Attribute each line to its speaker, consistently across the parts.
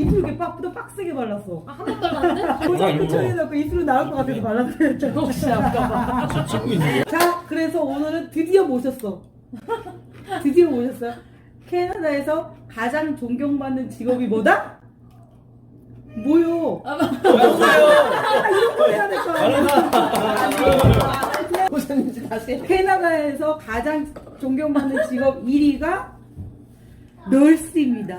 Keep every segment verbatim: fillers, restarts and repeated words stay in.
Speaker 1: 입술 이렇게 빡보다 빡세게 발랐어.
Speaker 2: 아, 한 번 발랐는데?
Speaker 1: 고정을 처리해놓고 입술은 나올 것 같아서 발랐어.
Speaker 2: 혹시 아까봐.
Speaker 3: 저 찍고 있는 거야?
Speaker 1: 자, 그래서 오늘은 드디어 모셨어. 드디어 모셨어요. 캐나다에서 가장 존경받는 직업이 뭐다? 뭐요?
Speaker 2: 아,
Speaker 1: 아, 이런 거 해야 될 거 아니야.
Speaker 2: 고생인지 다시.
Speaker 1: 캐나다에서 가장 존경받는 직업 일 위가 널스입니다.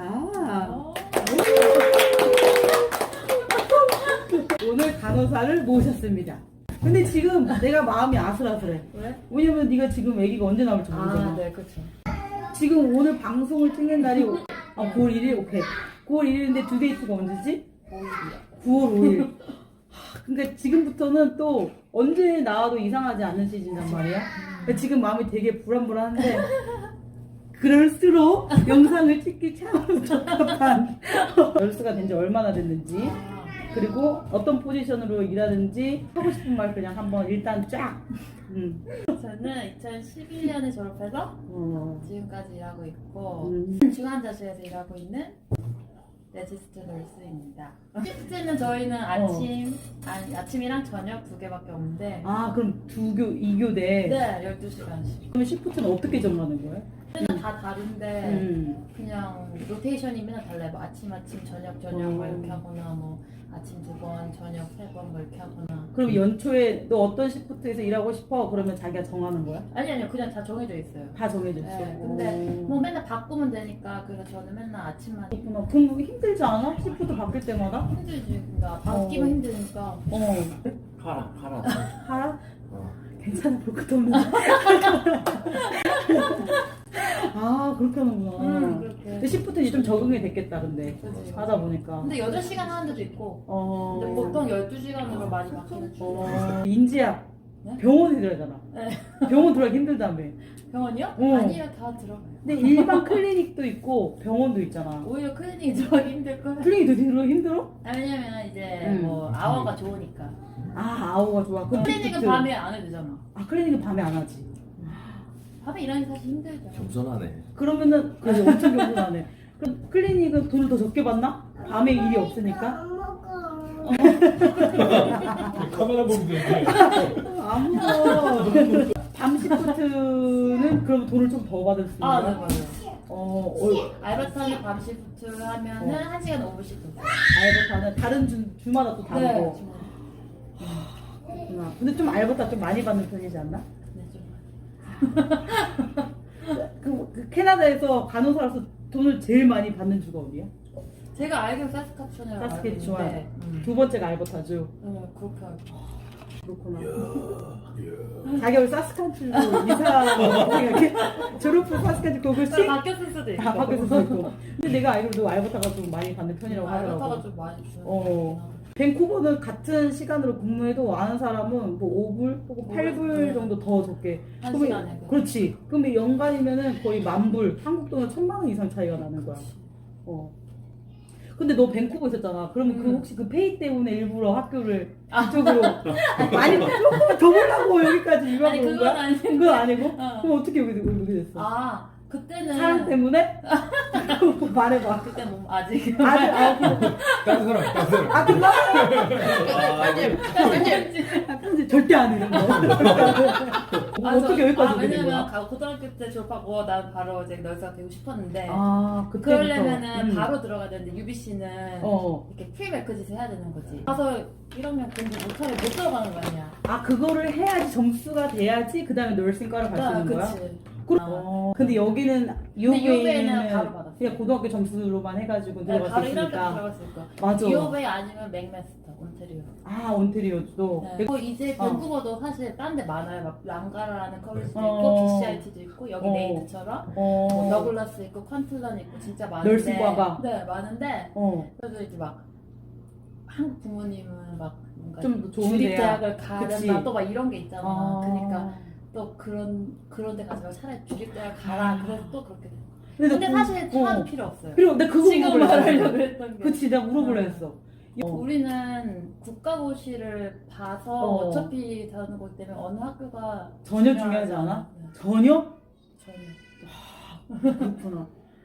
Speaker 1: 오늘 간호사를 모셨습니다. 근데 지금 내가 마음이 아슬아슬해.
Speaker 2: 왜?
Speaker 1: 왜냐면 네가 지금 아기가 언제 나올지 모르잖아.
Speaker 2: 아, 네, 그쵸.
Speaker 1: 지금 오늘 방송을 찍는 날이 아, 구월 일일? 오케이. 구월 일일인데 두 데이트가 언제지? 구월 오일. 그러니까 지금부터는 또 언제 나와도 이상하지 않는 시즌이란 말이야. 그러니까 지금 마음이 되게 불안불안한데 그럴수록 영상을 찍기 참 적합한 널스가 된 지 얼마나 됐는지, 그리고 어떤 포지션으로 일하는지 하고 싶은 말 그냥 한번 일단 쫙. 음.
Speaker 2: 저는 이천십일 년에 졸업해서
Speaker 1: 어.
Speaker 2: 지금까지 일하고 있고
Speaker 1: 음.
Speaker 2: 중환자실에서 일하고 있는 레지스트 널스입니다. 시프트는 저희는 아침, 아니, 아침이랑 저녁 두 개밖에 없는데
Speaker 1: 아, 그럼 두 교, 이 교대.
Speaker 2: 네, 열두 시간씩.
Speaker 1: 그러면 시프트는 어떻게 정하는 거예요?
Speaker 2: 저희는 다 다른데
Speaker 1: 음.
Speaker 2: 그냥 로테이션이 맨날 달라요. 뭐 아침, 아침, 저녁, 저녁 뭐
Speaker 1: 음.
Speaker 2: 이렇게 하거나 뭐 아침 두 번, 저녁 세 번 뭐 이렇게 하거나.
Speaker 1: 그럼 연초에 너 어떤 시프트에서 일하고 싶어? 그러면 자기가 정하는 거야?
Speaker 2: 아니 아니요, 그냥 다 정해져 있어요.
Speaker 1: 다 정해져 있어.
Speaker 2: 네, 근데 뭐 맨날 바꾸면 되니까 그래서 저는 맨날 아침만
Speaker 1: 그렇구나. 그럼 힘들지 않아? 시프트 바뀔 때마다?
Speaker 2: 힘들지. 그러니까 바뀌면
Speaker 1: 어.
Speaker 2: 힘드니까.
Speaker 1: 어.
Speaker 3: 팔아, 팔아.
Speaker 1: 하라?
Speaker 3: 어.
Speaker 1: 괜찮아, 볼 것도 없는데. 아, 그렇게 하는구나.
Speaker 2: 음, 그렇게.
Speaker 1: 근데 시프트 이제 좀 적응이 됐겠다, 근데.
Speaker 2: 그치.
Speaker 1: 하다 보니까.
Speaker 2: 근데 여덟 시간 하는 데도 있고
Speaker 1: 어.
Speaker 2: 근데 보통 열두 시간으로 많이 바뀌는 중.
Speaker 1: 어. 인지야.
Speaker 2: 네?
Speaker 1: 병원에 들어가잖아.
Speaker 2: 네.
Speaker 1: 병원 들어가기 힘들다며.
Speaker 2: 병원이요?
Speaker 1: 어.
Speaker 2: 아니요, 다 들어가요.
Speaker 1: 근데 일반 클리닉도 있고 병원도 있잖아.
Speaker 2: 오히려 클리닉이 들어가기 힘들 거예요.
Speaker 1: 클리닉도 들어 힘들어?
Speaker 2: 아, 왜냐면 이제
Speaker 1: 음.
Speaker 2: 뭐 아워가 좋으니까.
Speaker 1: 아, 아우가 좋아. 그럼
Speaker 2: 클리닉은
Speaker 1: 시프트.
Speaker 2: 밤에 안 해도 되잖아.
Speaker 1: 아, 클리닉은 밤에 안 하지.
Speaker 2: 밤에 일하기 사실 힘들죠.
Speaker 3: 겸손하네.
Speaker 1: 그러면은 그래 엄청 겸손하네. 그럼 클리닉은 돈을 더 적게 받나? 밤에 일이 없으니까?
Speaker 3: 카메라 보면 되는데.
Speaker 1: 안 먹어. 밤 시프트는 그럼 돈을 좀 더 받을 수 있는
Speaker 2: 아,
Speaker 1: 거야?
Speaker 2: 네, 맞아요.
Speaker 1: 어, 어,
Speaker 2: 알바타는 밤 시프트를 하면은
Speaker 1: 어.
Speaker 2: 한 시간 오 분씩 더.
Speaker 1: 알바타는 다른 주, 주마다 또 다르고.
Speaker 2: 네,
Speaker 1: 그렇구나. 근데 좀 알바타 좀 많이 받는 편이지 않나?
Speaker 2: 네, 좀.
Speaker 1: 그, 그 캐나다에서 간호사로서 돈을 제일 많이 받는 주가 어디야?
Speaker 2: 제가 알기로 사스카춘이라고 알고
Speaker 1: 사스케추완.
Speaker 2: 있는데, 음.
Speaker 1: 두 번째가 알버타주.
Speaker 2: 네, 그렇게 알고.
Speaker 1: 그렇구나.
Speaker 3: 야,
Speaker 1: 자기 원래 사스칸출로 이사 이렇게 졸업 후 사스칸출 그걸 씩
Speaker 2: 바뀌었을 수도 있고.
Speaker 1: 다 바뀌었을 수도 있고. 근데 내가 알기로도 알버타가 좀 많이 받는 편이라고
Speaker 2: 알바타가
Speaker 1: 하더라고.
Speaker 2: 좀 많이 주는
Speaker 1: 어. 밴쿠버는 같은 시간으로 근무해도 아는 사람은 뭐 오 불 혹은 팔 불
Speaker 2: 네.
Speaker 1: 정도 더 적게.
Speaker 2: 한
Speaker 1: 그러면-
Speaker 2: 시간에.
Speaker 1: 그렇지. 그러면 연간이면은 거의 만 불, 한국 돈은 천만 원 이상 차이가 나는 거야. 어. 근데 너 밴쿠버 있었잖아. 그러면 그
Speaker 2: 음.
Speaker 1: 혹시 그 페이 때문에 일부러 학교를
Speaker 2: 아.
Speaker 1: 이쪽으로 많이 조금만 더 보려고 여기까지 유학
Speaker 2: 아니,
Speaker 1: 온
Speaker 2: 그건
Speaker 1: 거야?
Speaker 2: 아닌데.
Speaker 1: 그건 아니고?
Speaker 2: 어.
Speaker 1: 그럼 어떻게 여기 오게 됐어?
Speaker 2: 아, 그때는.
Speaker 1: 사랑 때문에? 말해봐.
Speaker 2: 그때 뭐, 아직.
Speaker 1: 아직 아,
Speaker 3: 다른 사람, 다른 사람.
Speaker 1: 아 그거
Speaker 3: 아, 이게
Speaker 1: 아, 편집 절대 안 이런 거.
Speaker 2: 아,
Speaker 1: 어떻게
Speaker 2: 저-
Speaker 1: 여기까지
Speaker 2: 아,
Speaker 1: 오게 된
Speaker 2: 왜냐면
Speaker 1: 거야?
Speaker 2: 가- 고등학교 때 졸업하고 난 바로 이제 널스가 되고 싶었는데
Speaker 1: 아 그때부터.
Speaker 2: 그러려면은
Speaker 1: 음.
Speaker 2: 바로 들어가야 되는데 유비씨는
Speaker 1: 어.
Speaker 2: 이렇게 프리메크짓을 해야 되는 거지. 가서 일 학년 공부 못하면 못 들어가는 거 아니야.
Speaker 1: 아 그거를 해야지 점수가 돼야지 그 다음에 널싱과를 갈 수 있는 거야?
Speaker 2: 아, 그치.
Speaker 1: 그-
Speaker 2: 아.
Speaker 1: 어, 근데 여기는
Speaker 2: 근데 유베이는
Speaker 1: 유베이는
Speaker 2: 바로 받았어.
Speaker 1: 그냥 고등학교 점수로만 해가지고
Speaker 2: 네,
Speaker 1: 들어갈
Speaker 2: 바로
Speaker 1: 수
Speaker 2: 일 학년
Speaker 1: 있으니까.
Speaker 2: 들어갔을 거야.
Speaker 1: 맞아.
Speaker 2: 유베이 아니면 맥메스터, 온테리오.
Speaker 1: 아 온테리오도.
Speaker 2: 네. 그리고 이제
Speaker 1: 어.
Speaker 2: 밴쿠버도 사실 딴 데 많아요. 막 랑가라라는 컬리지도
Speaker 1: 어.
Speaker 2: 있고 비씨아이티도 있고 여기
Speaker 1: 어.
Speaker 2: 네이트처럼
Speaker 1: 어.
Speaker 2: 뭐 더글라스 있고 컨틀런 있고 진짜 많은데
Speaker 1: 널스과가.
Speaker 2: 네 많은데
Speaker 1: 어.
Speaker 2: 그래도 이제 막 한국 부모님은 막 뭔가
Speaker 1: 좀 좋은
Speaker 2: 주립대학을
Speaker 1: 그치.
Speaker 2: 가른다 또 막 이런 게 있잖아.
Speaker 1: 아.
Speaker 2: 그러니까 또 그런 그런 데 가지 말고 차라리 주립대학 가라.
Speaker 1: 아.
Speaker 2: 그래서 또 그렇게 돼.
Speaker 1: 근데,
Speaker 2: 근데
Speaker 1: 그-
Speaker 2: 사실 차도
Speaker 1: 어.
Speaker 2: 필요 없어요.
Speaker 1: 그리고 내가 그거
Speaker 2: 지금
Speaker 1: 물어보려고
Speaker 2: 말하려고
Speaker 1: 했어.
Speaker 2: 했던 게.
Speaker 1: 그치 내가 물어보려
Speaker 2: 어.
Speaker 1: 했어. 어.
Speaker 2: 우리는 국가고시를 봐서
Speaker 1: 어.
Speaker 2: 어. 차피 다는 거기 때문에 어느 학교가
Speaker 1: 전혀 중요하지 않아?
Speaker 2: 네,
Speaker 1: 전혀?
Speaker 2: 전혀.
Speaker 1: 그렇구나.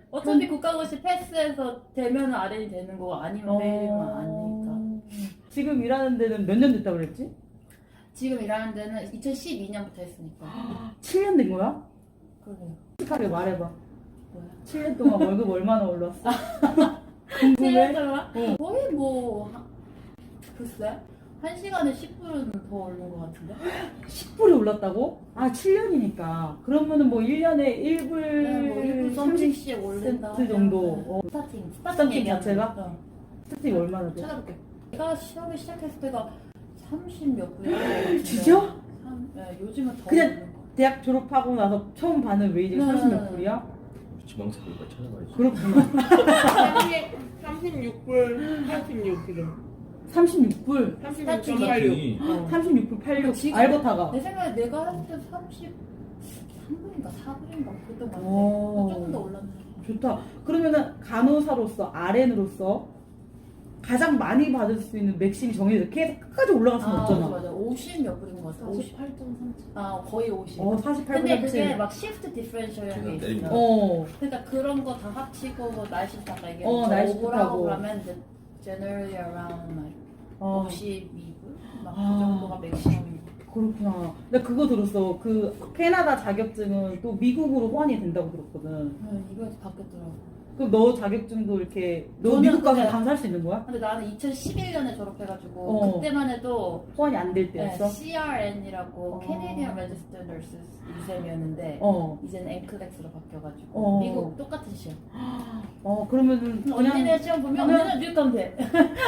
Speaker 2: 어차피 국가고시 패스해서 되면 알엔이 되는 거고 아니면 페일이면 아니니까.
Speaker 1: 지금 일하는 데는 몇 년 됐다고 그랬지?
Speaker 2: 지금 일하는 데는 이천십이 년부터 했으니까.
Speaker 1: 칠 년 된 거야?
Speaker 2: 그래요.
Speaker 1: 솔직하게 말해봐.
Speaker 2: 뭐야?
Speaker 1: 칠 년 동안 월급 얼마나 올랐어?
Speaker 2: 칠 년
Speaker 1: 궁금해?
Speaker 2: 동안
Speaker 1: 어.
Speaker 2: 거의 뭐 한- 글쎄 한 시간에 십 불은 더 오른 것 같은데.
Speaker 1: 십 불이 올랐다고? 아, 칠 년이니까. 그러면은 뭐 일 년에 일 불
Speaker 2: 네, 뭐 일 불 삼십씩 올린다.
Speaker 1: 센트 정도.
Speaker 2: 하면
Speaker 1: 어.
Speaker 2: 스타팅.
Speaker 1: 스타팅
Speaker 2: 얘기하는
Speaker 1: 자체가?
Speaker 2: 거. 어.
Speaker 1: 스타팅이 얼마나 돼?
Speaker 2: 찾아볼게. 내가 시험을 시작했을 때가 삼십 몇 불이었는데.
Speaker 1: 진짜?
Speaker 2: 네, 요즘은 더
Speaker 1: 그냥-
Speaker 2: 오른 거.
Speaker 1: 대학 졸업하고 나서 처음 받는 웨이지가
Speaker 2: 네.
Speaker 1: 삼십 몇 불이야?
Speaker 3: 지방세니까 찾아봐야지.
Speaker 1: 그렇구나.
Speaker 4: 삼십육 불 팔십육 지금.
Speaker 1: 삼십육 불.
Speaker 4: 삼십육 점 팔육.
Speaker 3: 이
Speaker 1: 삼십육 불 팔십육.
Speaker 2: 지금-
Speaker 1: 알버타가.
Speaker 2: 내 생각에 내가 할 때 삼십삼 불인가 사 불인가 그랬던 것 같아.
Speaker 1: 오.
Speaker 2: 조금 더 올랐네.
Speaker 1: 좋다. 그러면은 간호사로서 알엔으로서 가장 많이 받을 수 있는 맥심이 정해져. 계속 끝까지 올라갈 수는
Speaker 2: 아,
Speaker 1: 없잖아.
Speaker 2: 맞아, 맞아. 오십 몇 불인 것 같아. 오십.
Speaker 4: 사십팔 점 삼.
Speaker 2: 아, 거의 오십.
Speaker 1: 어, 사십팔 불
Speaker 2: 근데 그게
Speaker 1: 합치.
Speaker 2: 막 시프트 디퍼런셜이라는 게
Speaker 3: 계산 때리고.
Speaker 2: 있어.
Speaker 1: 어.
Speaker 2: 그러니까 그런 거 다 합치고 뭐 날씨부터 아까 얘기한
Speaker 1: 어, 날씨부터 하고.
Speaker 2: 오버하고 그러면 이제 generally around like
Speaker 1: 어.
Speaker 2: 오십이 불? 막 그
Speaker 1: 아.
Speaker 2: 정도가 맥시멈인 거.
Speaker 1: 그렇구나. 나 그거 들었어. 그 캐나다 자격증은 또 미국으로 호환이 된다고 들었거든.
Speaker 2: 네, 이거에서 바뀌었더라고.
Speaker 1: 그럼 너 자격증도 이렇게 너
Speaker 2: 저는
Speaker 1: 미국 가서
Speaker 2: 그게-
Speaker 1: 강사할 수 있는 거야?
Speaker 2: 근데 나는 이천십일 년에 졸업해가지고
Speaker 1: 어.
Speaker 2: 그때만 해도
Speaker 1: 호환이 안 될
Speaker 2: 네,
Speaker 1: 때였어?
Speaker 2: 씨알엔이라고
Speaker 1: 어.
Speaker 2: Canadian Registered Nurses exam이었는데
Speaker 1: 어.
Speaker 2: 이제는 앵클렉스로 바뀌어가지고
Speaker 1: 어.
Speaker 2: 미국 똑같은 시험.
Speaker 1: 어, 그러면은 그냥
Speaker 2: 언니네 시험 보면
Speaker 1: 그냥-
Speaker 2: 언니는 미국 가면 돼.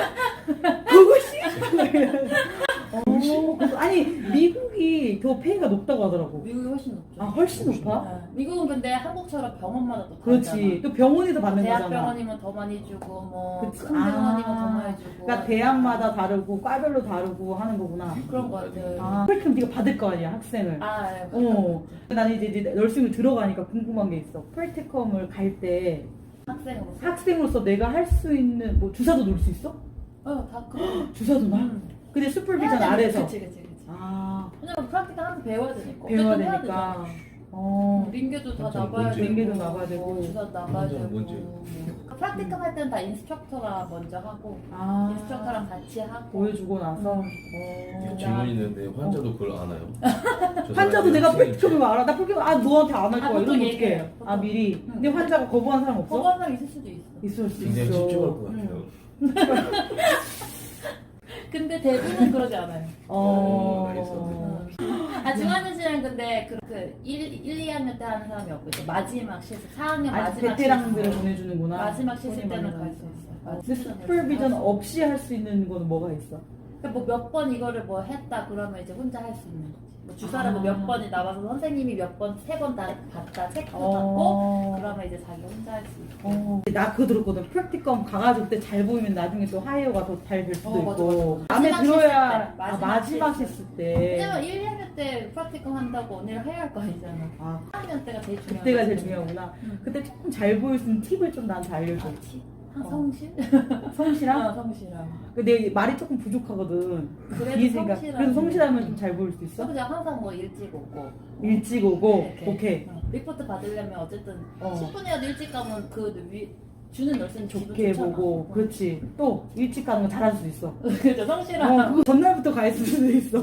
Speaker 1: 어, 그래서- 아니 미국이 더 페이가 높다고 하더라고.
Speaker 2: 미국이 훨씬 높죠.
Speaker 1: 아, 훨씬 높아?
Speaker 2: 네. 미국은 근데 한국처럼 병원마다 또
Speaker 1: 그렇지.
Speaker 2: 다르잖아.
Speaker 1: 또 병원에서 받는 거잖아.
Speaker 2: 대학병원이면 더 많이 주고 뭐
Speaker 1: 그치.
Speaker 2: 큰 병원이면
Speaker 1: 아.
Speaker 2: 더 많이 주고.
Speaker 1: 그러니까 대학마다 다르고 과별로 다르고 하는 거구나.
Speaker 2: 그런 거 같아요.
Speaker 1: 아, 그럼 네가 받을 거 아니야, 학생을.
Speaker 2: 아, 예.
Speaker 1: 어. 나는 이제, 이제 널싱을 들어가니까 궁금한 게 있어. 프랙티컴을 갈 때
Speaker 2: 학생으로서.
Speaker 1: 학생으로서 내가 할 수 있는 뭐 주사도 놓을 수 있어?
Speaker 2: 어, 다 그런.
Speaker 1: 주사도 놔?
Speaker 2: 음.
Speaker 1: 근데 슈퍼비전
Speaker 2: 해야 되는-
Speaker 1: 아래서.
Speaker 2: 그치, 그치, 그치.
Speaker 1: 아,
Speaker 2: 왜냐면 프락티카 하면서 배워야 되니까.
Speaker 1: 배워야
Speaker 2: 어쨌든 해야
Speaker 1: 되니까.
Speaker 2: 되잖아.
Speaker 1: 어.
Speaker 2: 링계도 다
Speaker 3: 완전
Speaker 2: 나가야
Speaker 3: 뭔지.
Speaker 2: 되고.
Speaker 1: 링계도 나가야 되고.
Speaker 2: 뭐 주사도 나가야
Speaker 3: 완전
Speaker 2: 되고.
Speaker 3: 뭔지.
Speaker 2: 뭐. 프락티카 할 때는 다 인스트럭터가 먼저 하고.
Speaker 1: 아.
Speaker 2: 인스트럭터랑 같이 하고.
Speaker 1: 보여주고 나서.
Speaker 2: 음.
Speaker 1: 어.
Speaker 3: 질문 있는데 환자도 그걸 아나요? 저
Speaker 1: 환자도
Speaker 3: 사람이
Speaker 1: 내가
Speaker 3: 학생이니까.
Speaker 1: 프랙티컴을 알아. 나 프랙티컴, 아, 너한테 안 할
Speaker 2: 아,
Speaker 1: 거야.
Speaker 2: 보통
Speaker 1: 이러면 어떡해.
Speaker 2: 얘기해요.
Speaker 1: 아, 미리.
Speaker 2: 응.
Speaker 1: 근데 환자가 거부한 사람 없어?
Speaker 2: 거부한 사람 있을 수도 있어.
Speaker 1: 있을 수
Speaker 3: 굉장히
Speaker 1: 있어.
Speaker 3: 찝찝할 것 같아요.
Speaker 2: 근데 대부분 그러지 않아요.
Speaker 1: 어.
Speaker 3: 알겠어.
Speaker 2: 아, 중환자실은 근데 그, 그 일, 일, 이 학년 때 하는 사람이 없고 이제 마지막 실습, 사 학년
Speaker 1: 아직
Speaker 2: 마지막
Speaker 1: 베테랑들을
Speaker 2: 실습.
Speaker 1: 보내주는구나.
Speaker 2: 마지막 실습
Speaker 1: 손이
Speaker 2: 때는
Speaker 1: 많이
Speaker 2: 갈 수
Speaker 1: 가니까.
Speaker 2: 있어요.
Speaker 1: 근데 슈퍼비전 없이 할 수 있는 거는 뭐가 있어?
Speaker 2: 뭐 몇 번 이거를 뭐 했다 그러면 이제 혼자 할 수 있는 거지. 뭐 주사를
Speaker 1: 아.
Speaker 2: 뭐 몇 번이 나와서 선생님이 몇 번, 세 번 다 봤다, 체크도 받고
Speaker 1: 어.
Speaker 2: 그러면 이제 자기 혼자 할 수 있고.
Speaker 1: 어. 나 그거 들었거든. 프랙티컴 가가지고 그때 잘 보이면 나중에 또 하이어가 더 잘 될 수도
Speaker 2: 어, 맞아,
Speaker 1: 있고.
Speaker 2: 맞아.
Speaker 1: 마음에
Speaker 2: 마지막
Speaker 1: 들어야
Speaker 2: 실습 때.
Speaker 1: 아,
Speaker 2: 마지막
Speaker 1: 마지막
Speaker 2: 실습.
Speaker 1: 실습 때.
Speaker 2: 왜냐면 일, 이 학년 때 프라티컴 한다고 언니를 해야 할 거 아니잖아.
Speaker 1: 아,
Speaker 2: 사 학년 때가 제일 중요한
Speaker 1: 그때가 제일
Speaker 2: 거지.
Speaker 1: 중요하구나.
Speaker 2: 응.
Speaker 1: 그때 조금 잘 보일 수 있는 팁을 좀 나한테 알려줘.
Speaker 2: 아, 티? 한
Speaker 1: 어.
Speaker 2: 성실?
Speaker 1: 성실함?
Speaker 2: 어, 성실함.
Speaker 1: 근데 말이 조금 부족하거든.
Speaker 2: 그래도
Speaker 1: 이해지니까.
Speaker 2: 성실함.
Speaker 1: 그래도 성실하면 좀 잘 보일 수 있어?
Speaker 2: 그냥 항상 뭐 일찍 오고.
Speaker 1: 일찍 오고,
Speaker 2: 네, 이렇게.
Speaker 1: 오케이.
Speaker 2: 어, 리포트 받으려면 어쨌든
Speaker 1: 어.
Speaker 2: 십 분이라도 일찍 가면 그 위, 주는 열쇠는
Speaker 1: 좋게 해보고, 그렇지. 또 일찍 가는 거 잘할 수 있어.
Speaker 2: 그죠, 성실함.
Speaker 1: 어, 그거 전날부터 가 있을 수도 있어.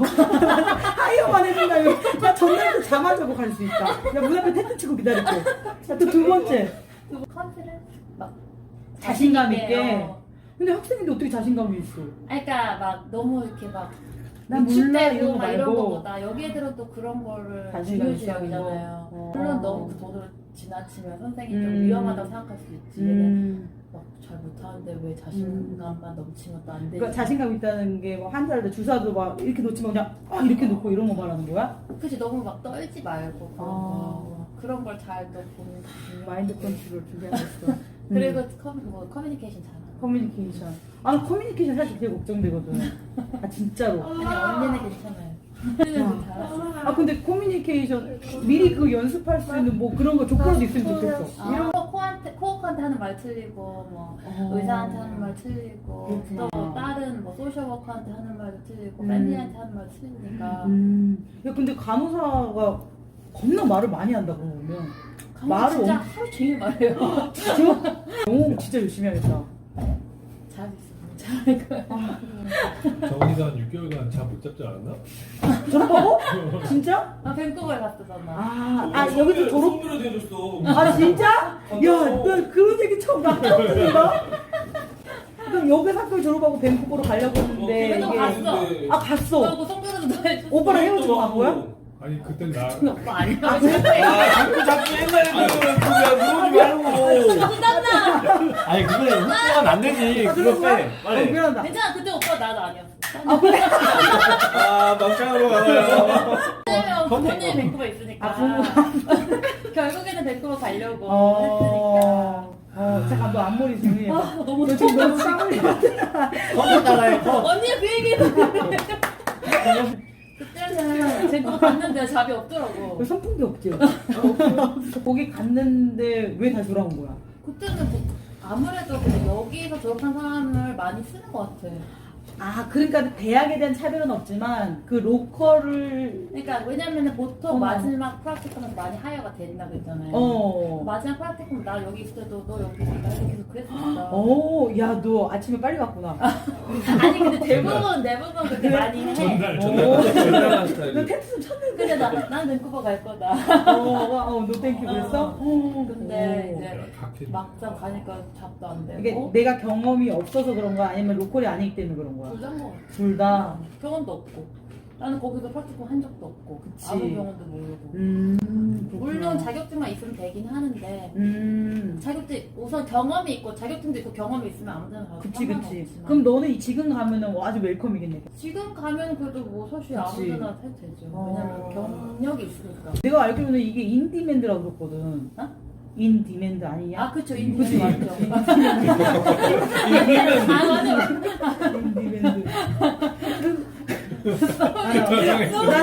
Speaker 1: 하이어만 해준다면, 나 전날부터 잠 안 자고 갈 수 있다. 야, 문 앞에 텐트 치고 기다릴게. 또 두 번째,
Speaker 2: 그리고 컨피던스? 막
Speaker 1: 자신감 있게.
Speaker 2: 어.
Speaker 1: 근데 학생인데 어떻게 자신감이 있어?
Speaker 2: 아니, 그러니까 막 너무 이렇게 막
Speaker 1: 난 몰라,
Speaker 2: 위축되고
Speaker 1: 이런 거
Speaker 2: 막 이런
Speaker 1: 말고.
Speaker 2: 거보다 여기 애들은 또 그런 거를
Speaker 1: 자신감
Speaker 2: 중요시하잖아요.
Speaker 1: 있어. 어.
Speaker 2: 물론 너무 그 돈을 지나치면 선생님이 좀
Speaker 1: 음.
Speaker 2: 위험하다고 생각할 수 있지. 얘는
Speaker 1: 음,
Speaker 2: 막 잘 못하는데 왜 자신감만 넘치면 또 안 되지?
Speaker 1: 그러니까 자신감 있다는 게, 뭐, 환자할 때 주사도 막 이렇게 놓치면 그냥, 아, 이렇게 놓고 이런 거 말하는 거야?
Speaker 2: 그치, 너무 막 떨지 말고 그런
Speaker 1: 아.
Speaker 2: 거. 그런 걸 잘 또 보는 게 중요하고.
Speaker 1: 마인드 컨트롤 준비하겠어.
Speaker 2: 그리고 커, 뭐 커뮤니케이션 잘하고.
Speaker 1: 커뮤니케이션. 아, 나 커뮤니케이션 사실 되게 걱정되거든. 아, 진짜로.
Speaker 2: 아니 언니는 괜찮아요. 언니는 잘하죠.
Speaker 1: 아, 근데 커뮤니케이션, 미리 그 연습할 수 있는 뭐 그런 거 조건도 있으면 좋겠어.
Speaker 2: 이런 거 코한테 코어한테 하는 말 틀리고 뭐
Speaker 1: 어.
Speaker 2: 의사한테 하는 말 틀리고
Speaker 1: 그렇구나.
Speaker 2: 또 다른 뭐 소셜 워커한테 하는 말도 틀리고
Speaker 1: 음.
Speaker 2: 패밀리한테 하는 말 틀리니까
Speaker 1: 음. 야, 근데 간호사가 겁나 말을 많이 한다, 그러고 보면. 말을
Speaker 2: 진짜
Speaker 1: 엄-
Speaker 2: 하루 종일 말해요.
Speaker 1: 영어 진짜 열심히 하겠다.
Speaker 2: 잘하고 있어. 잘할 거야.
Speaker 5: 정원이가 한 육 개월간 잠 못 잡지 않았나?
Speaker 1: 졸업하고? 진짜?
Speaker 2: 나 밴쿠버에 갔었잖아.
Speaker 1: 아, 아 여기서 졸업?
Speaker 3: 손으로 대줬어.
Speaker 1: 아 진짜? 야, 나 그런 얘기 처음 나 처음 듣는다. 그럼 여기서 학교 졸업하고 밴쿠버로 가려고 했는데
Speaker 2: 그래도
Speaker 1: 이게
Speaker 2: 갔어.
Speaker 1: 아 갔어.
Speaker 2: 그리고 송별회도 너 해줬어.
Speaker 1: 오빠랑 헤어지고 간 거야?
Speaker 5: 아니 그땐 나
Speaker 2: 오빠 아니야.
Speaker 3: 아 자꾸 자꾸 옛날에 그거 그러지 말고.
Speaker 6: 아니 그거는 흡수가 안 되지.
Speaker 1: 아,
Speaker 6: 그거
Speaker 1: 그런 거야?
Speaker 6: 빼.
Speaker 1: 어,
Speaker 6: 빨리.
Speaker 1: 미안하다.
Speaker 2: 괜찮아. 그때 오빠 나도 아니었어.
Speaker 1: 아 그래?
Speaker 3: 아 막장으로 가나요?
Speaker 2: 왜냐면 부모님이 밴쿠버에 있으니까.
Speaker 1: 아, 부모.
Speaker 2: 결국에는 밴쿠버 가려고
Speaker 1: 어, 어, 잠깐 너 앞머리 정리해봐.
Speaker 2: 했으니까. 아, 너무
Speaker 1: 너 지금 너무 쌍을
Speaker 6: 컴퓨터 따라해. 컴.
Speaker 2: 언니가 그 얘기를 그때는 밴쿠버 갔는데 잡이 없더라고.
Speaker 1: 선풍기 없지? 거기 갔는데 왜 다시 돌아온 거야?
Speaker 2: 그때는 뭐 아무래도 근데 여기서 졸업한 사람을 많이 쓰는 것 같아.
Speaker 1: 아 그러니까 대학에 대한 차별은 없지만 그 로컬을
Speaker 2: 그러니까 왜냐면은 보통
Speaker 1: 어.
Speaker 2: 마지막 프락티컴에서 많이 하이어가 된다고 했잖아요.
Speaker 1: 어.
Speaker 2: 마지막 프락티컴 나 여기 있을 때도 너 여기 있을 때 나 계속 그랬었어.
Speaker 1: 어, 야, 너 아침에 빨리 갔구나.
Speaker 2: 아니 근데 대부분 대부분 그렇게 많이 해.
Speaker 5: 전날
Speaker 1: 어.
Speaker 5: 전날
Speaker 3: 전달한
Speaker 1: 너
Speaker 3: 스타일.
Speaker 1: 텍스 좀 쳤는데.
Speaker 2: 근데 나난 밴쿠버 갈 거다.
Speaker 1: 어, 어, 너 땡큐 그랬어? 어.
Speaker 2: 근데
Speaker 1: 어.
Speaker 2: 이제
Speaker 5: 각해.
Speaker 2: 막상 가니까 잡도 안 되고.
Speaker 1: 이게 내가 경험이 없어서 그런 거야? 아니면 로컬이 아니기 때문에 그런 거야?
Speaker 2: 둘다 뭐
Speaker 1: 둘 다.
Speaker 2: 경험도 없고. 나는 거기서 프락티컴 한 적도 없고.
Speaker 1: 그치.
Speaker 2: 아무 병원도 모르고.
Speaker 1: 음, 그렇구나.
Speaker 2: 물론 자격증만 있으면 되긴 하는데.
Speaker 1: 음,
Speaker 2: 자격증 우선 경험이 있고 자격증도 있고 경험이 있으면 아무데나 가도
Speaker 1: 그치, 그치.
Speaker 2: 상관없지만.
Speaker 1: 그럼 너는 이 지금 가면은 아주 웰컴이겠네.
Speaker 2: 지금 가면 그래도 뭐 사실
Speaker 1: 그치.
Speaker 2: 아무데나 해도 되죠.
Speaker 1: 어.
Speaker 2: 왜냐면 경력이 있으니까.
Speaker 1: 내가 알기로는 이게 인디맨드라고 그랬거든.
Speaker 2: 어?
Speaker 1: 인디맨드 아니냐?
Speaker 2: 아 그쵸
Speaker 1: 그치.
Speaker 2: 인디맨드 맞죠. 아 맞아.
Speaker 1: 인디맨드.
Speaker 5: 나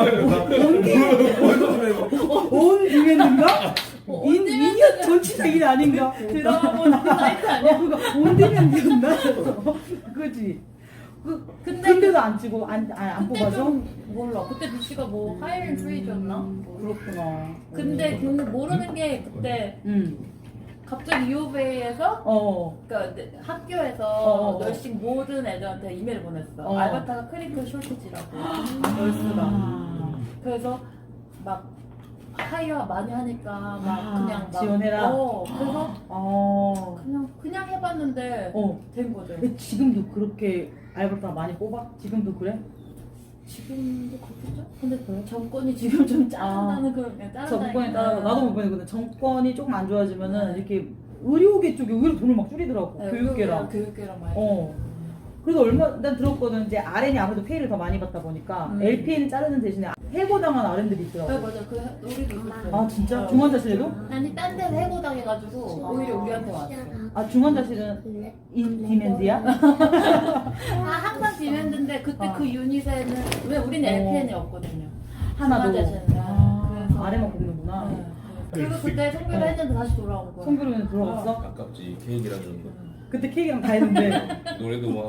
Speaker 1: 온 디맨드인가?
Speaker 2: 어,
Speaker 1: 인
Speaker 2: 온디맨드.
Speaker 1: 미니어 전치사일 아닌가?
Speaker 2: 들어본 사이트 아니야?
Speaker 1: 어, 그거 온 디맨드였나? 그지? 그
Speaker 2: 근데
Speaker 1: 근데도 안 찍고 안안 안
Speaker 2: 그때
Speaker 1: 뽑아줘?
Speaker 2: 좀 몰라. 그때 비씨가 뭐 하이힐 프리즈였나?
Speaker 1: 음, 그렇구나.
Speaker 2: 근데 근데 모르는 게 그때
Speaker 1: 응.
Speaker 2: 갑자기 유오베이에서
Speaker 1: 어.
Speaker 2: 그러니까 내- 학교에서
Speaker 1: 어, 어.
Speaker 2: 널싱 모든 애들한테 이메일 보냈어.
Speaker 1: 어.
Speaker 2: 알바타가 크리클 쇼티지라고. 널스가.
Speaker 1: 아.
Speaker 2: 그래서 막 하이어 많이 하니까 막
Speaker 1: 아,
Speaker 2: 그냥 막
Speaker 1: 지원해라?
Speaker 2: 어, 그래서
Speaker 1: 어.
Speaker 2: 그냥 그냥 해봤는데
Speaker 1: 어.
Speaker 2: 된 거죠.
Speaker 1: 근데 지금도 그렇게 알바타 많이 뽑아? 지금도 그래?
Speaker 2: 지금도 그렇겠죠? 근데 정권이 지금 좀 짜른다는 그런 그냥 짜른다니까.
Speaker 1: 정권에 따라 나도 못 보내거든. 정권이 조금 안 좋아지면은
Speaker 2: 네.
Speaker 1: 이렇게 의료계 쪽에 의외로 돈을 막 줄이더라고.
Speaker 2: 네,
Speaker 1: 교육계랑.
Speaker 2: 교육계랑 많이.
Speaker 1: 어. 그래서 얼마 난 들었거든. 이제 알엔이 아무래도 페이를 더 많이 받다 보니까
Speaker 2: 음.
Speaker 1: 엘피에이는 자르는 대신에 해고당한 알엔들이
Speaker 2: 네
Speaker 1: 있더라고.
Speaker 2: 맞아 그 우리도 있었어.
Speaker 1: 아 진짜?
Speaker 2: 어.
Speaker 1: 중환자실에도?
Speaker 2: 아니 딴 데서 해고당해가지고 오히려 우리한테 왔어.
Speaker 1: 아 중환자실은 인 디맨드야?
Speaker 2: 아 항상 디맨드인데 그때
Speaker 1: 어.
Speaker 2: 그 유닛에는 왜 우리는
Speaker 1: 어.
Speaker 2: 엘피엔이었거든요.
Speaker 1: 하나도.
Speaker 2: 중환자실은.
Speaker 1: 아,
Speaker 2: 그래서-
Speaker 1: 아래만 뽑는구나.
Speaker 2: 네. 그리고 그때 송별을
Speaker 1: 어.
Speaker 2: 했는데 다시 돌아온 거야.
Speaker 1: 성교로는 들어갔어?
Speaker 3: 아깝지 케이크랑 그런 거.
Speaker 1: 그때 케이크랑 다 했는데.
Speaker 3: 노래도 막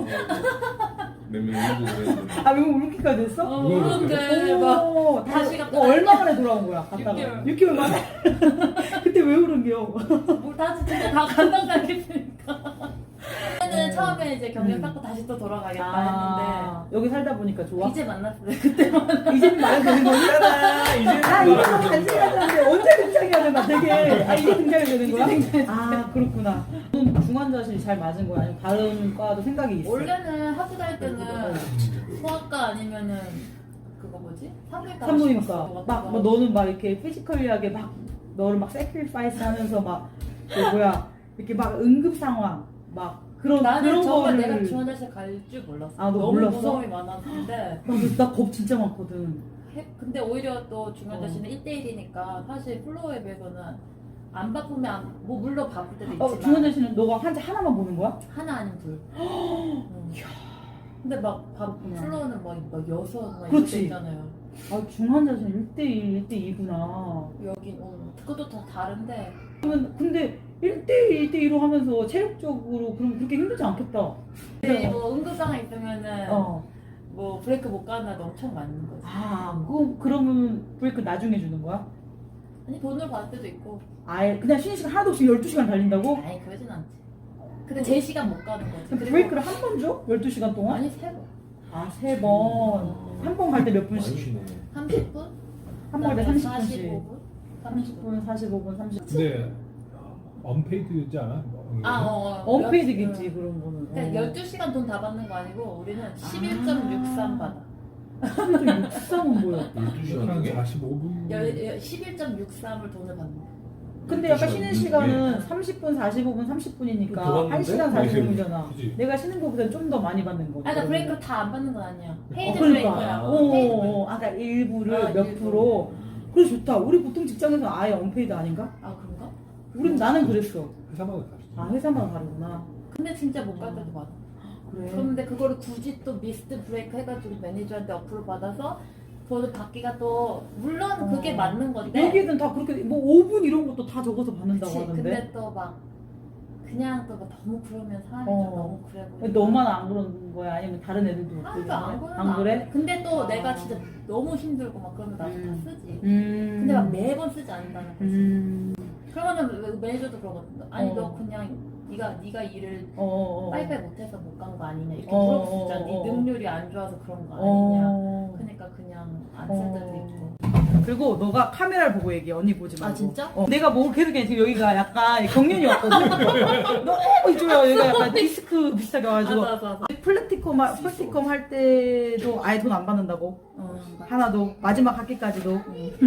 Speaker 3: 몇명 울고 그랬는데.
Speaker 1: 아 왜 울기까지 했어?
Speaker 2: 어, 그런데 막
Speaker 1: 오,
Speaker 2: 다시
Speaker 1: 다-
Speaker 2: 갔다
Speaker 1: 어, 얼마 만에 돌아온 거야? 갔다가
Speaker 2: 육 개월.
Speaker 1: 육 개월 만에? 그때 왜 울은겨?
Speaker 2: 뭘 다시 진짜 다 간다고 생각했으니까. 저는 처음에 이제 경력
Speaker 1: 음.
Speaker 2: 쌓고 다시 또 돌아가겠다
Speaker 1: 아, 여기 살다 보니까 좋아?
Speaker 2: 했는데 이제 만났어요. 그때만.
Speaker 1: 이제는 말해도 되는 거야?
Speaker 3: 아, 이제
Speaker 1: 아, 이제 너무 간지가 하는데 언제 등장해야 되나 되게. 아, 이제 등장이 되는 거야? 아, 그렇구나. 너는 중환자실 잘 맞은 거야? 아니면 다른 과도 생각이 있어?
Speaker 2: 원래는 학교 다닐 때는
Speaker 1: 어.
Speaker 2: 소아과 아니면은 그거 뭐지? 산부인과.
Speaker 1: 산부인과. 막, 뭐 너는 막 이렇게 피지컬리하게 막 너를 막 세크리파이스 하면서 막, 그 뭐야, 이렇게 막 응급 상황, 막 그런,
Speaker 2: 나는
Speaker 1: 그런
Speaker 2: 정말
Speaker 1: 거를.
Speaker 2: 내가 중환자실 갈 줄 몰랐어.
Speaker 1: 아, 너
Speaker 2: 너무
Speaker 1: 몰랐어?
Speaker 2: 무서움이 많았는데.
Speaker 1: 나겁 진짜 많거든.
Speaker 2: 해- 근데 오히려 또 중환자실은 일 대일이니까 사실 플로어에 비해서는 안 바쁘면 안, 뭐 물론 바쁠 때도 있지만
Speaker 1: 어, 중환자실은 너가 환자 하나만 보는 거야?
Speaker 2: 하나 아니면 둘. 응. 근데 막 바,
Speaker 1: 그렇구나.
Speaker 2: 플로어는 막, 막 여섯 막 이렇게
Speaker 1: 그렇지.
Speaker 2: 있잖아요.
Speaker 1: 아, 중환자실 일 대일, 일 대이구나.
Speaker 2: 여긴 어, 그것도 다 다른데
Speaker 1: 그러면 근데 일 대일, 일 대이로 하면서 체력적으로 그럼 그렇게 힘들지 않겠다.
Speaker 2: 근데 뭐 응급상황 있으면은
Speaker 1: 어.
Speaker 2: 뭐 브레이크 못 가는 날도 엄청 많은 거지.
Speaker 1: 아, 그, 그러면 브레이크 나중에 주는 거야?
Speaker 2: 아니 돈을 받을 때도 있고.
Speaker 1: 아예 그냥 쉬는 시간 하나도 없이 열두 시간 달린다고?
Speaker 2: 아니 그러진 않지. 근데 제 시간 못 가는 거지.
Speaker 1: 그럼
Speaker 2: 그리고-
Speaker 1: 브레이크를 한 번 줘? 열두 시간 동안?
Speaker 2: 아니 세 번.
Speaker 1: 아, 세 번. 한 번 갈 때 몇
Speaker 6: 많이
Speaker 1: 분씩?
Speaker 6: 쉬네.
Speaker 2: 삼십 분?
Speaker 1: 한 번 갈 때 삼십 분씩.
Speaker 2: 사십오 분?
Speaker 1: 삼십 분, 사십오 분, 삼십 분.
Speaker 5: 근데 언페이드지 않아?
Speaker 2: 아, 어, 어.
Speaker 1: 언페이드겠지, 그런 거는.
Speaker 2: 그러니까 열두 시간 돈 다 받는 거 아니고 우리는 십일 점 육삼 받아.
Speaker 1: 십일 점 육삼은 뭐야?
Speaker 6: 열두 시간
Speaker 5: 사십오 분.
Speaker 2: 열- 십일 점 육삼을 돈을 받는 거야.
Speaker 1: 근데 약간 쉬는 시간은 삼십 분, 사십오 분, 삼십
Speaker 6: 더
Speaker 1: 분이니까
Speaker 6: 받는데?
Speaker 1: 한 시간 사십오 분이잖아.
Speaker 5: 그치.
Speaker 1: 내가 쉬는 거보다 좀 더 많이 받는 거지.
Speaker 2: 아, 그러니까 브레이크를 다 안 받는 건 아니야.
Speaker 1: 어,
Speaker 2: 페이드
Speaker 1: 그러니까.
Speaker 2: 브레이크라고.
Speaker 1: 어,
Speaker 2: 페이드
Speaker 1: 어,
Speaker 2: 브레이크.
Speaker 1: 어. 아까 일부를
Speaker 2: 아,
Speaker 1: 몇
Speaker 2: 일부.
Speaker 1: 프로. 그래 좋다. 우리 보통 직장에서 아예 언페이드 아닌가?
Speaker 2: 아, 그런가?
Speaker 1: 우린 나는 그랬어.
Speaker 5: 회사마다 다르지.
Speaker 1: 아 회사마다 다르구나.
Speaker 2: 근데 진짜 못 갈 때도 많아.
Speaker 1: 그래.
Speaker 2: 그런데 그거를 굳이 또 미스트 브레이크 해가지고 매니저한테 어플을 받아서 돈을 받기가 또 물론 그게
Speaker 1: 어.
Speaker 2: 맞는 건데.
Speaker 1: 여기는 다 그렇게 뭐 오 분 이런 것도 다 적어서 받는다고
Speaker 2: 그치.
Speaker 1: 하는데.
Speaker 2: 근데 또 막 그냥 또막 너무 그러면 사람이
Speaker 1: 어.
Speaker 2: 좀 너무 그래 보여.
Speaker 1: 너만 안 그러는 거야? 아니면 다른 애들도
Speaker 2: 아,
Speaker 1: 그러는
Speaker 2: 그러니까 안
Speaker 1: 거야?
Speaker 2: 그래?
Speaker 1: 안 그래?
Speaker 2: 근데 또
Speaker 1: 아.
Speaker 2: 내가 진짜 너무 힘들고 막 그러면 나도
Speaker 1: 음.
Speaker 2: 다 쓰지.
Speaker 1: 음.
Speaker 2: 근데 막 매번 쓰지 않는다는 거지.
Speaker 1: 음.
Speaker 2: 그러면은 매니저도 그러거든. 아니
Speaker 1: 어.
Speaker 2: 너 그냥 네가 네가 일을
Speaker 1: 어, 어, 어.
Speaker 2: 빨리빨리 못해서 못 간 거 아니냐 이렇게
Speaker 1: 어,
Speaker 2: 물어볼 수 있잖아.
Speaker 1: 어,
Speaker 2: 네
Speaker 1: 어.
Speaker 2: 능률이 안 좋아서 그런 거 아니냐.
Speaker 1: 어.
Speaker 2: 그러니까 그냥 안 쓸 때도
Speaker 1: 어.
Speaker 2: 있고.
Speaker 1: 그리고 너가 카메라를 보고 얘기해. 언니 보지 말고.
Speaker 2: 아, 진짜?
Speaker 1: 어. 내가 뭐 계속 얘기해. 지금 여기가 약간 경련이 왔거든. 너무 이쪽이야. 여기가 약간 디스크 비슷하게 와가지고.
Speaker 2: 맞아 맞아. 맞아.
Speaker 1: 플래티컴, 하- 플래티컴 할 때도 아예 돈 안 받는다고.
Speaker 2: 어, 맞아.
Speaker 1: 하나도. 마지막 학기까지도.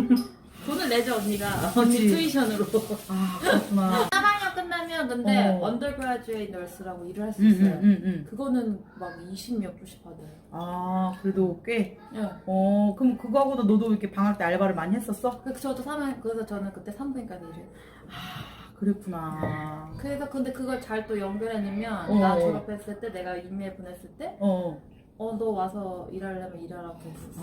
Speaker 2: 돈을 내죠 언니가.
Speaker 1: 그치.
Speaker 2: 언니 투이션으로.
Speaker 1: 아, 그렇구나.
Speaker 2: 삼 학년 끝나면 근데
Speaker 1: 어.
Speaker 2: 언더그라듀에이트 널스라고 일을 할 수
Speaker 1: 응,
Speaker 2: 있어요.
Speaker 1: 응, 응, 응.
Speaker 2: 그거는 막 이십 몇 불씩 받아요.
Speaker 1: 아, 그래도 꽤.
Speaker 2: 예.
Speaker 1: 어, 그럼 그거하고도 너도 이렇게 방학 때 알바를 많이 했었어?
Speaker 2: 그 저도 삼 학년 그래서 저는 그때 산부인과도 일을.
Speaker 1: 아, 그랬구나.
Speaker 2: 그래서 근데 그걸 잘 또 연결해내면
Speaker 1: 어.
Speaker 2: 나 졸업했을 때 내가 이메일 보냈을 때
Speaker 1: 어.
Speaker 2: 어 너 와서 일하려면 일하라고 했었어.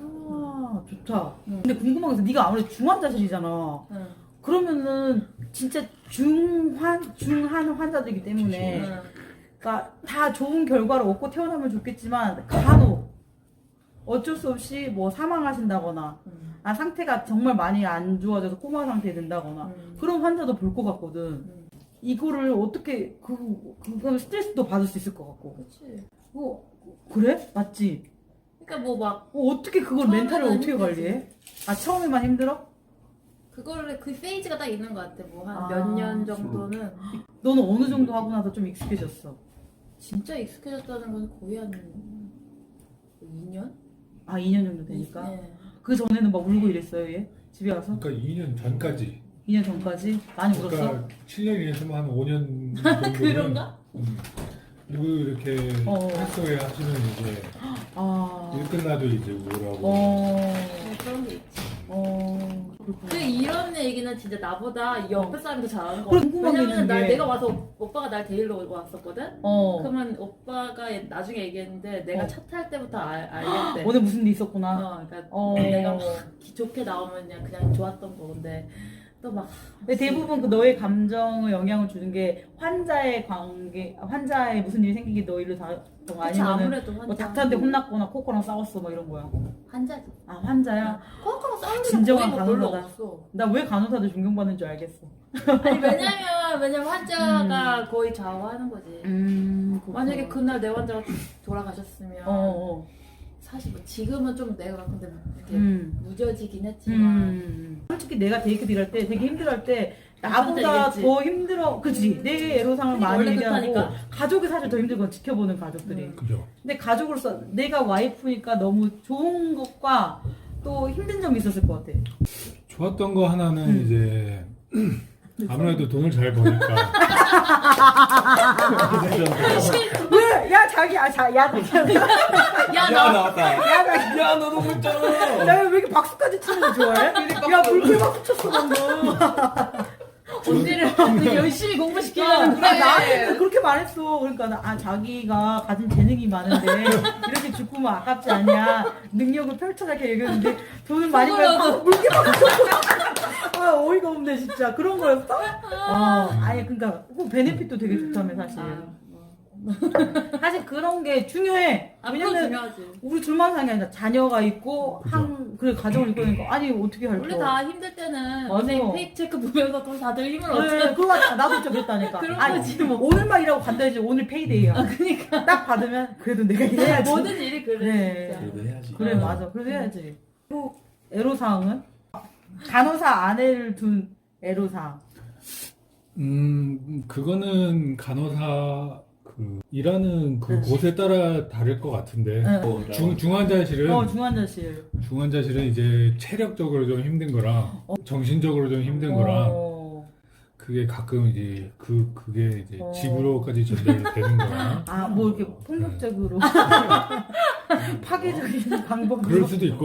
Speaker 1: 아, 좋다.
Speaker 2: 응.
Speaker 1: 근데 궁금한 게 있어. 네가 아무래도 중환자실이잖아.
Speaker 2: 응.
Speaker 1: 그러면은 진짜 중환, 중한 환자들이기 때문에
Speaker 2: 응.
Speaker 1: 그러니까 다 좋은 결과를 얻고 태어나면 좋겠지만 간혹 어쩔 수 없이 뭐 사망하신다거나
Speaker 2: 응.
Speaker 1: 아 상태가 정말 많이 안 좋아져서 코마 상태에 든다거나
Speaker 2: 응.
Speaker 1: 그런 환자도 볼 것 같거든.
Speaker 2: 응.
Speaker 1: 이거를 어떻게 그 그건 스트레스도 받을 수 있을 것 같고.
Speaker 2: 그치.
Speaker 1: 어 그래? 맞지?
Speaker 2: 그러니까 뭐 막
Speaker 1: 어, 어떻게 그걸
Speaker 2: 처음에는
Speaker 1: 멘탈을 어떻게
Speaker 2: 힘들지.
Speaker 1: 관리해? 아 처음에만 힘들어?
Speaker 2: 그거를 그 페이지가 딱 있는 것 같아. 뭐 한
Speaker 1: 아,
Speaker 2: 몇 년 정도는
Speaker 1: 너는 어느 정도 하고 나서 좀 익숙해졌어?
Speaker 2: 진짜 익숙해졌다는 건 거의 한 이 년?
Speaker 1: 아 이 년 정도 되니까.
Speaker 2: 네.
Speaker 1: 그 전에는 막 울고 이랬어요 얘? 집에 가서?
Speaker 5: 그러니까 이 년 전까지.
Speaker 1: 이 년 전까지? 많이 울었어?
Speaker 5: 그러니까 칠 년 이내에서 한 오 년 정도는
Speaker 2: 그런가?
Speaker 5: 음, 그리고 이렇게
Speaker 1: 어.
Speaker 5: 활동에 하시면 이제
Speaker 1: 아.
Speaker 5: 일 끝나도 이제 우울하고.
Speaker 1: 어.
Speaker 2: 네, 그런 게 있지.
Speaker 1: 어. 그렇구나.
Speaker 2: 그 이런 얘기는 진짜 나보다 옆에 사람도 잘하는 거
Speaker 1: 그래,
Speaker 2: 같아.
Speaker 1: 궁금한 게
Speaker 2: 왜냐면 날
Speaker 1: 있는데.
Speaker 2: 내가 와서 오- 오빠가 날 데리러 왔었거든.
Speaker 1: 어.
Speaker 2: 그러면 오빠가 나중에 얘기했는데 내가
Speaker 1: 어.
Speaker 2: 차 탈 때부터 알, 알겠대.
Speaker 1: 오늘 무슨 일 있었구나.
Speaker 2: 어, 그러니까
Speaker 1: 어.
Speaker 2: 내가 막 좋게 나오면 그냥 그냥 좋았던 거 근데 또 막
Speaker 1: 근데 대부분 그 너의 감정을 영향을 주는 게 환자의 관계, 환자의 무슨 일이 생기게 너 일로 다,
Speaker 2: 그치,
Speaker 1: 아니면은
Speaker 2: 아무래도
Speaker 1: 뭐
Speaker 2: 환자
Speaker 1: 닥터한테 혼났거나 코코랑 싸웠어 뭐 이런 거야.
Speaker 2: 환자지.
Speaker 1: 아 환자야?
Speaker 2: 코코랑 싸우는 게
Speaker 1: 진정한
Speaker 2: 거의 뭐 별로
Speaker 1: 간호사다.
Speaker 2: 없어.
Speaker 1: 나 왜 간호사들 존경받는 줄 알겠어.
Speaker 2: 아니 왜냐면 왜냐면 환자가 거의 좌우하는 거지.
Speaker 1: 음.
Speaker 2: 만약에 그날 내 환자가 돌아가셨으면
Speaker 1: 어. 어.
Speaker 2: 사실 뭐 지금은 좀 내가 근데 이렇게
Speaker 1: 음.
Speaker 2: 무뎌지긴 했지만
Speaker 1: 음. 솔직히 내가 데이트 일할 때 되게 힘들어할 때 나보다
Speaker 2: 얘기했지.
Speaker 1: 더 힘들어. 그치? 내 애로상을
Speaker 2: 그게
Speaker 1: 많이
Speaker 2: 원래
Speaker 1: 얘기하고
Speaker 2: 그렇다니까.
Speaker 1: 가족이 사실 더 힘들고 지켜보는 가족들이.
Speaker 2: 음.
Speaker 5: 그죠.
Speaker 1: 근데 가족으로서 내가 와이프니까 너무 좋은 것과 또 힘든 점이 있었을 것 같아.
Speaker 5: 좋았던 거 하나는
Speaker 1: 음.
Speaker 5: 이제 아무래도 돈을 잘 버니까.
Speaker 1: 왜? 야 자기 아 자, 야 자기
Speaker 2: 야
Speaker 6: 야
Speaker 2: 나
Speaker 6: 나왔다.
Speaker 1: 야 자기
Speaker 6: 야 너도 그랬잖아.
Speaker 1: 야왜 이렇게 박수까지 치는 거 좋아해? 야 불쾌 박수 쳤어 방금.
Speaker 2: 언니를 되게 열심히 공부시키려는
Speaker 1: 아, 나한테 그렇게 말했어. 그러니까 나, 아 자기가 가진 재능이 많은데 이렇게 죽으면 아깝지 않냐. 능력을 펼쳐라 이렇게 얘기했는데 돈을 많이 벌고 물게 박수 쳤어. 아 어이가 없네 진짜. 그런 거였어? 어 아니 그러니까 그 베네핏도 되게 좋다며 사실.
Speaker 2: 아, 뭐.
Speaker 1: 사실 그런 게 중요해.
Speaker 2: 아, 그건
Speaker 1: 왜냐면
Speaker 2: 중요하지.
Speaker 1: 우리 둘만 사는 게 아니라 자녀가 있고
Speaker 5: 그죠.
Speaker 1: 한 그래 가정을 이끌니까 아니 어떻게 할
Speaker 2: 원래
Speaker 1: 거?
Speaker 2: 다 힘들 때는
Speaker 1: 맞아.
Speaker 2: 은행 페이크 체크 보면서 또 다들 힘을
Speaker 1: 네,
Speaker 2: 얻잖아.
Speaker 1: 그거 같아. 나도 진짜 그랬다니까.
Speaker 2: 그런
Speaker 1: 아니,
Speaker 2: 거지, 뭐.
Speaker 1: 오늘만 일하고 간다지 오늘 페이데이야.
Speaker 2: 아, 그니까.
Speaker 1: 딱 받으면 그래도 내가 일해야지.
Speaker 2: 모든 일이 그래,
Speaker 1: 네.
Speaker 2: 진짜.
Speaker 3: 그래도 해야지.
Speaker 1: 그래
Speaker 2: 어.
Speaker 1: 맞아. 그래도 해야지. 또 애로사항은 간호사 아내를 둔 애로사항.
Speaker 5: 음, 그거는 간호사 그 일하는 그
Speaker 1: 응.
Speaker 5: 곳에 따라 다를 것 같은데
Speaker 1: 응.
Speaker 3: 어,
Speaker 5: 중, 중환자실은
Speaker 1: 어 중환자실.
Speaker 5: 중환자실은 이제 체력적으로 좀 힘든 거랑 정신적으로 좀 힘든 거랑
Speaker 1: 어.
Speaker 5: 그게 가끔 이제 그 그게 이제
Speaker 1: 어.
Speaker 5: 집으로까지 전달되는 거랑
Speaker 1: 아, 뭐 이렇게 폭력적으로 파괴적인 방법으로.
Speaker 5: 그럴 수도 있고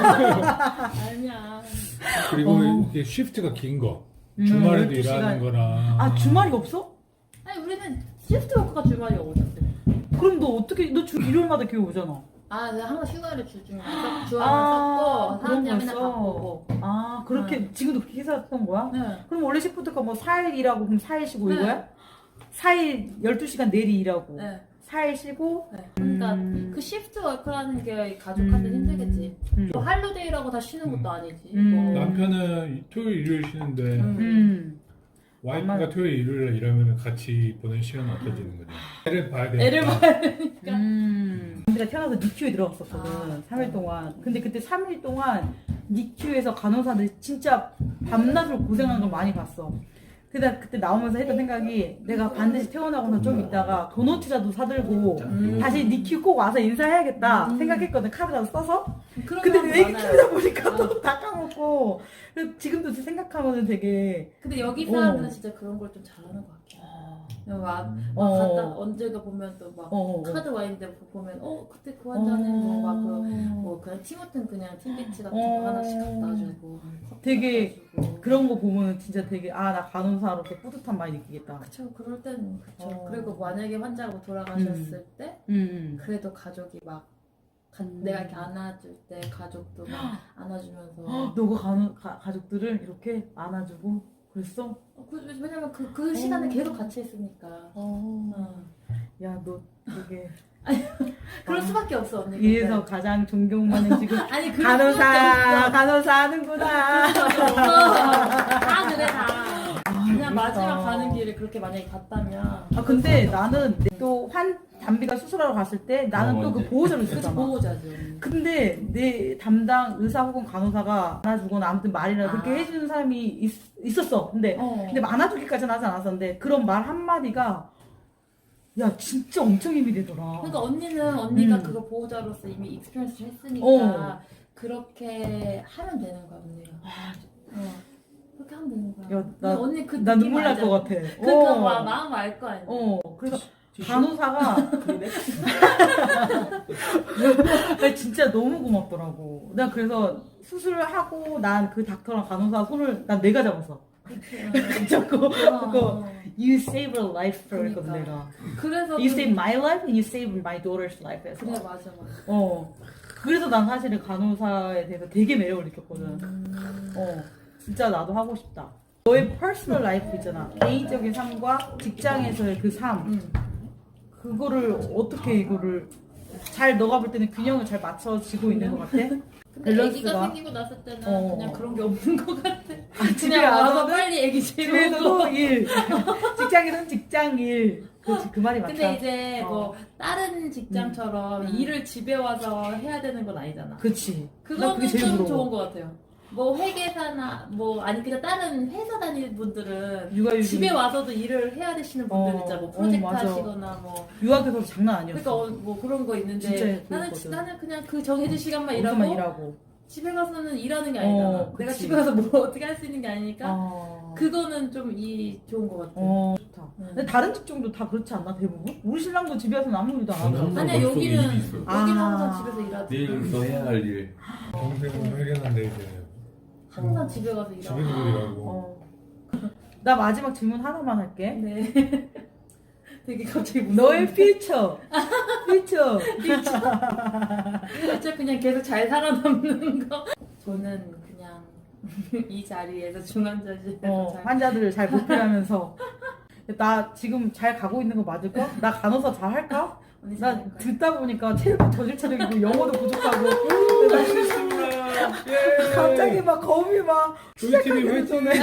Speaker 2: 아니야.
Speaker 5: 그리고
Speaker 1: 어.
Speaker 5: 이게 쉬프트가 긴 거
Speaker 1: 음,
Speaker 5: 주말에도
Speaker 1: 열두 시간.
Speaker 5: 일하는 거랑
Speaker 1: 아 주말이 없어?
Speaker 2: 아니, 우리는 시프트 워크가 주말이 어딨어.
Speaker 1: 그럼 너 어떻게 너 주 일요일마다 교회 오잖아.
Speaker 2: 아, 내가 항상 휴가를 주중에
Speaker 1: 아,
Speaker 2: 주말에 썼고,
Speaker 1: 그런
Speaker 2: 사람들이 맨날
Speaker 1: 거였어?
Speaker 2: 바쁘고.
Speaker 1: 아 그렇게 지금도 그렇게 했었던 거야?
Speaker 2: 네.
Speaker 1: 그럼 원래 시프트가 뭐 사 일 일하고 그럼 사 일 쉬고
Speaker 2: 네.
Speaker 1: 이거야? 사 일 열두 시간 내리 일하고
Speaker 2: 네.
Speaker 1: 사 일 쉬고.
Speaker 2: 네. 그러니까
Speaker 1: 음.
Speaker 2: 그 시프트 워크라는 게 가족한테
Speaker 1: 음.
Speaker 2: 힘들겠지.
Speaker 1: 음.
Speaker 2: 뭐 할로데이라고 다 쉬는 것도
Speaker 5: 음.
Speaker 2: 아니지.
Speaker 1: 음.
Speaker 2: 뭐.
Speaker 5: 남편은 토요일 일요일 쉬는데
Speaker 2: 음.
Speaker 1: 음.
Speaker 5: 와이프가
Speaker 1: 엄마-
Speaker 5: 토요일 일요일 일하면 같이 보낸 시간은 없어지는 거죠. 애를 봐야 되니까.
Speaker 2: 애를 봐야 되니까.
Speaker 1: 음. 내가 태어나서 니큐에 들어갔었거든.
Speaker 2: 아.
Speaker 1: 삼 일 동안. 근데 그때 삼 일 동안 니큐에서 간호사들이 진짜 밤낮으로 고생하는 걸 많이 봤어. 근데 그때 나오면서 했던 생각이 내가 반드시 태어나고서 좀 있다가 도너츠라도 사들고
Speaker 2: 음.
Speaker 1: 다시 니큐 꼭 와서 인사해야겠다
Speaker 2: 음.
Speaker 1: 생각했거든. 카드라도 써서.
Speaker 2: 그런
Speaker 1: 근데
Speaker 2: 사람
Speaker 1: 왜
Speaker 2: 많아요.
Speaker 1: 키우다 보니까
Speaker 2: 어.
Speaker 1: 또 다 까먹고. 그래서 지금도 생각하면은 되게.
Speaker 2: 근데 여기
Speaker 1: 어.
Speaker 2: 사람들은 진짜 그런 걸 좀 잘하는 것 같아. 막, 막
Speaker 1: 어.
Speaker 2: 갔다 언제가 보면 또 막
Speaker 1: 어.
Speaker 2: 카드 와 있는데 보면 어 그때 그 환자는 뭐 막 그
Speaker 1: 어.
Speaker 2: 뭐 그냥 티모튼 그냥 팀비치 같은
Speaker 1: 어.
Speaker 2: 거 하나씩 갖다 주고
Speaker 1: 되게
Speaker 2: 갖다 주고.
Speaker 1: 그런 거 보면 진짜 되게 아 나 간호사로서 뿌듯함 많이 느끼겠다.
Speaker 2: 그쵸 그럴 때는 그쵸.
Speaker 1: 어.
Speaker 2: 그리고 만약에 환자가 돌아가셨을 때
Speaker 1: 음.
Speaker 2: 그래도 가족이 막 가-
Speaker 1: 음.
Speaker 2: 내가 이렇게 안아줄 때 가족도 막 안아주면서
Speaker 1: 헉, 너가 간호, 가, 가족들을 이렇게 안아주고 그랬어?
Speaker 2: 어, 그, 왜냐면 그, 그 시간에 계속 같이 있으니까
Speaker 1: 어.
Speaker 2: 어.
Speaker 1: 야, 너 되게
Speaker 2: 그럴
Speaker 1: 아.
Speaker 2: 수밖에 없어 언니
Speaker 1: 위에서 가장 존경받는 지금
Speaker 2: 아니 그럴 수밖에
Speaker 1: 간호사,
Speaker 2: 없어.
Speaker 1: 간호사 하는구나.
Speaker 2: 다 그래 다. 그냥
Speaker 1: 그러니까.
Speaker 2: 마지막 가는 길을 그렇게 만약에 갔다면.
Speaker 1: 아 근데 나는 또 환 담비가 수술하러 갔을 때 나는
Speaker 3: 어,
Speaker 1: 또 그
Speaker 3: 이제.
Speaker 1: 보호자로
Speaker 2: 그치
Speaker 1: 있었잖아.
Speaker 2: 보호자지. 언니.
Speaker 1: 근데 내 담당 의사 혹은 간호사가 안아주거나 아무튼 말이나 그렇게
Speaker 2: 아.
Speaker 1: 해주는 사람이 있, 있었어. 근데
Speaker 2: 어.
Speaker 1: 근데 안아주기까지는 하지 않았었는데 그런 말 한마디가 야 진짜 엄청 힘이 되더라.
Speaker 2: 그러니까 언니는 언니가
Speaker 1: 음.
Speaker 2: 그거 보호자로서 이미 익스피리언스 했으니까
Speaker 1: 어.
Speaker 2: 그렇게 하면 되는 거야 언니가. 어. 그렇게 하면 되는 거야.
Speaker 1: 야, 나-
Speaker 2: 근데 언니 그
Speaker 1: 나
Speaker 2: 느낌
Speaker 1: 눈물 날
Speaker 2: 알잖아.
Speaker 1: 것 같아.
Speaker 2: 그러니까
Speaker 1: 어.
Speaker 2: 마, 마음 알 거 아니야.
Speaker 1: 어, 그래서 간호사가 나 진짜 너무 고맙더라고. 나 그래서 수술을 하고 난 그 닥터랑 간호사 손을 난 내가 잡았어. 자꾸
Speaker 2: 어.
Speaker 1: 그거 You save a life 그랬거든
Speaker 2: 그러니까.
Speaker 1: 내가.
Speaker 2: 그래서
Speaker 1: You
Speaker 2: 그-
Speaker 1: save my life and you save my daughter's life. 해서.
Speaker 2: 그래 맞아 맞아.
Speaker 1: 어. 그래서 난 사실은 간호사에 대해서 되게 매력을 느꼈거든.
Speaker 2: 음.
Speaker 1: 어. 진짜 나도 하고 싶다. 너의 퍼스널 라이프 있잖아. 개인적인 삶과 직장에서의 그 삶.
Speaker 2: 음.
Speaker 1: 그거를 어떻게 이거를 잘 너가 볼 때는 균형을 잘 맞춰지고 있는 것 같아?
Speaker 2: 근데
Speaker 1: 밸런스가?
Speaker 2: 애기가 생기고 났을 때는
Speaker 1: 어.
Speaker 2: 그냥 그런 게 없는 것 같아.
Speaker 1: 집에
Speaker 2: 그냥 와서
Speaker 1: 와서는
Speaker 2: 빨리 애기
Speaker 1: 집에서도
Speaker 2: 재우고.
Speaker 1: 일, 직장에서는 직장 일. 그렇지 그 말이 맞다.
Speaker 2: 근데 이제
Speaker 1: 어.
Speaker 2: 뭐 다른 직장처럼
Speaker 1: 음.
Speaker 2: 일을 집에 와서 해야 되는 건 아니잖아.
Speaker 1: 그치. 나
Speaker 2: 그거는
Speaker 1: 그게 제일
Speaker 2: 좀
Speaker 1: 부러워.
Speaker 2: 좋은 것 같아요. 뭐 회계사나 뭐 아니 그냥 다른 회사 다니는 분들은
Speaker 1: 육아휴직.
Speaker 2: 집에 와서도 일을 해야 되시는 분들
Speaker 1: 어,
Speaker 2: 있잖아. 뭐
Speaker 1: 어,
Speaker 2: 프로젝트
Speaker 1: 맞아.
Speaker 2: 하시거나 뭐
Speaker 1: 유학에서 장난 아니었어.
Speaker 2: 그러니까 어, 뭐 그런 거 있는데
Speaker 1: 진짜
Speaker 2: 나는
Speaker 1: 그랬거든.
Speaker 2: 나는 그냥 그 정해진 시간만
Speaker 1: 거기서만
Speaker 2: 일하고,
Speaker 1: 일하고.
Speaker 2: 집에 가서는 일하는 게 아니잖아.
Speaker 1: 어,
Speaker 2: 내가
Speaker 1: 그치.
Speaker 2: 집에 가서 뭐 어떻게 할 수 있는 게 아니니까
Speaker 1: 어.
Speaker 2: 그거는 좀 이 좋은 것 같아.
Speaker 1: 어, 좋다.
Speaker 2: 음.
Speaker 1: 근데 다른 직종도 다 그렇지 않나 대부분? 우리 신랑도 집에 와서는 아무 일도 안
Speaker 3: 저는
Speaker 1: 하잖아.
Speaker 3: 항상
Speaker 2: 아니야
Speaker 3: 머릿속에
Speaker 2: 여기는
Speaker 3: 일이 있어요.
Speaker 2: 여기는
Speaker 1: 아.
Speaker 2: 항상 집에서 일하지.
Speaker 3: 내일부터 해야 할 일.
Speaker 5: 평생은 회견한데 이제
Speaker 2: 항상 집에 가서 일하고.
Speaker 5: 집에서 일하고
Speaker 1: 어. 나 마지막 질문 하나만 할게.
Speaker 2: 네. 되게 갑자기 무서워.
Speaker 1: 너의 퓨처. 퓨처.
Speaker 2: 진짜 그냥 계속 잘 살아남는 거. 저는 그냥 이 자리에서 중환자실에서
Speaker 1: 어,
Speaker 2: 잘
Speaker 1: 환자들을 잘 보필하면서 나 지금 잘 가고 있는 거 맞을까? 나 간호사 잘 할까?
Speaker 2: 언니
Speaker 1: 나
Speaker 2: 잘할 거야.
Speaker 1: 듣다 보니까 체력이 저질 체력이고 영어도 부족하고
Speaker 5: 예.
Speaker 1: 갑자기 막 겁이 막
Speaker 5: 우리 팀이
Speaker 1: 시작하기
Speaker 5: 화이팅!
Speaker 1: 전에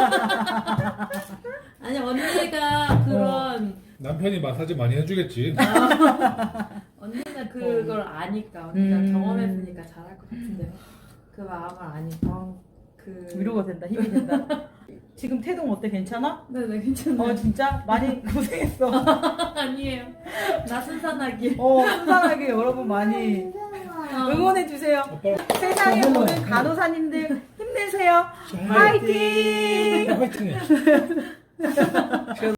Speaker 2: 아니 언니가 그런
Speaker 5: 남편이 마사지 많이 해주겠지.
Speaker 2: 언니는 그걸 아니까 언니가
Speaker 1: 음.
Speaker 2: 경험했으니까 잘할 것 같은데 그 마음을 아니까 그
Speaker 1: 위로가 된다, 힘이 된다. 지금 태동 어때? 괜찮아?
Speaker 2: 네네 괜찮아요.
Speaker 1: 어 진짜 많이 고생했어.
Speaker 2: 아니에요. 나 순산하기.
Speaker 1: 어 순산하게 여러분 많이 응원해 주세요.
Speaker 5: 아빠
Speaker 1: 세상에 모든 간호사님들 힘내세요. 화이팅!
Speaker 5: 화이팅해.